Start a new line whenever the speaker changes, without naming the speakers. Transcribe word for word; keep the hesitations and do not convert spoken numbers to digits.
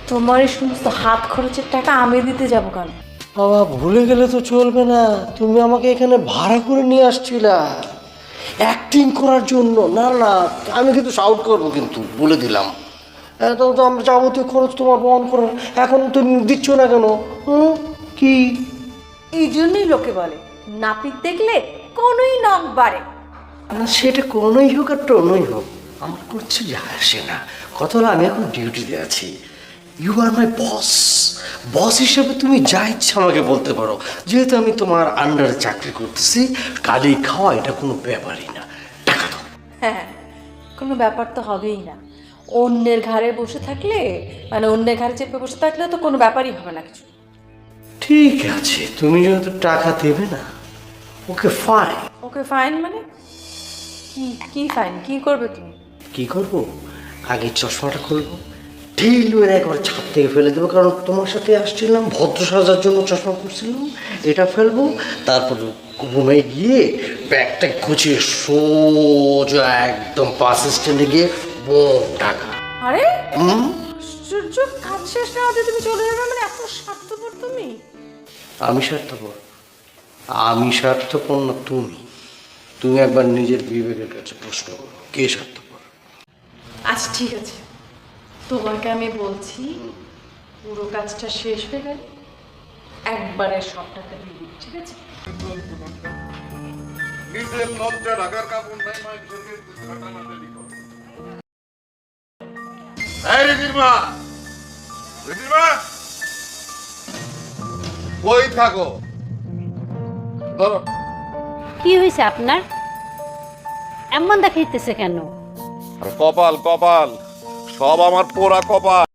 তোমার এই সমস্ত হাত খরচের টাকা আমি দিতে যাব কেন?
বাবা ভুলে গেলে তো চলবে না, তুমি আমাকে এখানে ভাড়া করে নিয়ে আসছিলা অ্যাক্টিং করার জন্য। না না, আমি কিন্তু শাউট করবো, কিন্তু বলে দিলাম। এখন তো আমরা যাবতীয় খরচ তোমার বহন করার, এখন তুমি দিচ্ছ না কেন? হুম, কি?
এই জন্যই লোকে বলে নাপিত দেখলে কোনোই নখ বাড়ে।
না, সেটা কোনোই হোক আর টোনোই হোক, আমার করছে যায় আসে না। কথা হলো আমি এখন ডিউটিতে আছি, ইউ আর মাই বস। বস হিসেবে তুমি যা ইচ্ছা আমাকে বলতে পারো, যেহেতু আমি তোমার আন্ডারে চাকরি করতেছি। কালি খাওয়া এটা কোনো ব্যাপারই না, টাকা দাও।
হ্যাঁ, কোনো ব্যাপার তো হবেই না। অন্যের ঘাড়ে বসে থাকলে, মানে অন্যের ঘাড়ে চেপে বসে থাকলে তো কোনো ব্যাপারই হবে না কিছু।
ঠিক আছে, তুমি যেহেতু টাকা দেবে না, ওকে ফাইন।
ওকে ফাইন মানে কি? কি ফাইন? কি করবে তুমি?
কি করবো? আগে চশমাটা খুলবো, ঢিল মেরে একবার ছাদ থেকে ফেলে দেবো, কারণ তোমার সাথে আসছিলাম ভদ্র সাজার জন্য চশমা পরছিলাম। এটা ফেলবো, তারপর রুমে গিয়ে ব্যাগটা গুছিয়ে সোজা একদম বাস স্ট্যান্ডে গিয়ে বোম টাকা।
আরে
হুম,
আশ্চর্য, কাজ শেষ না হতে তুমি চলে যাবে মানে এত স্বার্থপর তুমি?
আমি স্বার্থপর? আমি স্বার্থপর না তুমি? তুমি একবার নিজের বিবেকের কাছে প্রশ্ন করো, কে স্বার্থপর?
আচ্ছা ঠিক আছে, তোমাকে আমি বলছি, পুরো কাজটা শেষ হয়ে গেলে একবারে সব টাকা দিয়ে দিবি, ঠিক আছে?
নিজের লজ্জা ঢাকার কাপড় নাই, মানুষকে ঘাটাঘাটি করো। এই রিদিমা, রিদিমা, কই থাকো? ধরো।
কি হয়েছে আপনার? এমন দেখাইতেছে কেন?
কপাল কপাল, সব আমার পোড়া কপাল।